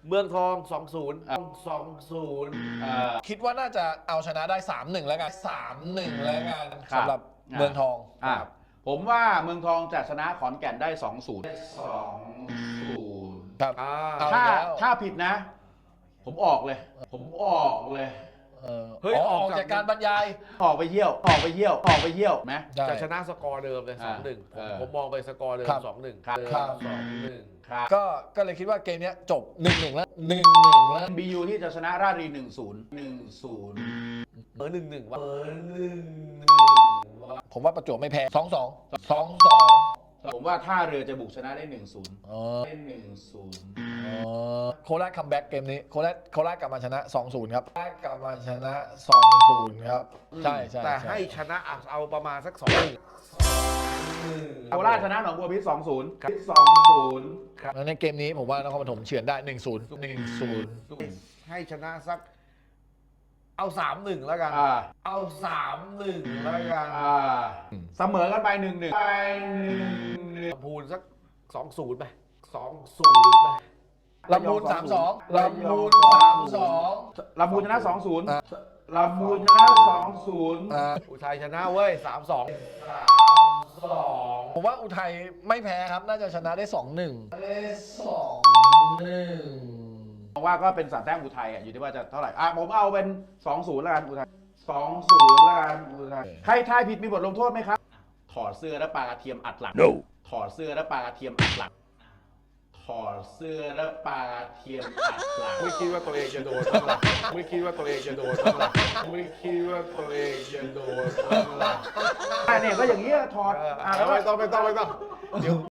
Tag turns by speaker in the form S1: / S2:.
S1: เมืองทอง2-0 2-0
S2: คิดว่าน่าจะเอาชนะได้ 3-1 แล้วกัน 3-1 แล้วกันสำหรับเมืองทอง
S3: ผมว่าเมืองทองจะชนะขอนแก่นได้ 2-0 2-0
S2: ครับ เอา
S3: ถ้าผิดนะ ผมออกเลย
S1: เฮ้ย
S2: ออกจากการบรรยาย
S3: ออกไปเยี่ยวไหม
S1: จะชนะสกอร์เดิมเลย 2-1 ผมมองไปสกอร์เดิม
S2: ครับ
S1: 2-1
S2: ครับ
S1: 2-1
S3: ครับ
S2: ก็เลยคิดว่าเกมนี้จบ 1-1 แล้ว 1-1 แล้ว
S3: BU ที่จะชนะราชบุรี 1-0
S1: 1-1วะ
S2: ผมว่าประจวบไม่แพ้ 2-2
S3: ผมว่าท่าเรือจะบุกชนะได้ 1-0
S2: อ๋อ
S3: ได้
S2: โคราชคัมแบ็กเกมนี้โคราชกลับมาชนะ 2-0 ครับกลับมาชนะ 2-0 ครับ ใช่
S1: แต่ให้ชนะเอาประมาณสัก 2-1
S3: 1-0 โคราชชนะหนองบัวพิตร 2-0
S2: แล้วในเกมนี้ผมว่านครปฐมเฉือนได้ 1-0
S1: ให้ชนะสักเอา 3-1 แล้วกัน เอา 3-1 แล้วกัน
S3: เสมอกันไป 1-1
S1: ลำพูนสัก 2-0 ไป 2-0 ไป
S2: ลำพูน 3-2 ลำพูน 3-2
S3: ลำพูนชนะ 2-0 ลำพูนชนะ 2-0
S1: อุทัยชนะเว้ย 3-2
S2: ผมว่าอุทัยไม่แพ้ครับ น่าจะชนะได้ 2-1 ได้ 2-1
S3: มองว่าก็เป็น3 แต้มอุทัยอยู่ที่ว่าจะเท่าไหร่ผมเอาเป็น 2-0 แล้วกันอุทัย 2-0 แล้วกันอุทัยใครทายผิดมีบทลงโทษไหมครับ ถอดเสื้อแล้วปลากระเทียมอัดหลัง ถอดเสื้อแล้วปลากระเทียมอัดหลัง ถอดเสื้อแล้วปลากระเทียมอัดหลัง
S1: ไม่คิดว่าตัวเองจะโดนบ้างหรอไม่คิดว่าตัวเองจะโดนบ้างหรอไม่คิดว่าตัวเองจะโดนบ้างหรอ
S3: เนี่ยก็อย่างนี้ถอด
S1: ไม่ต้องเดี๋ยว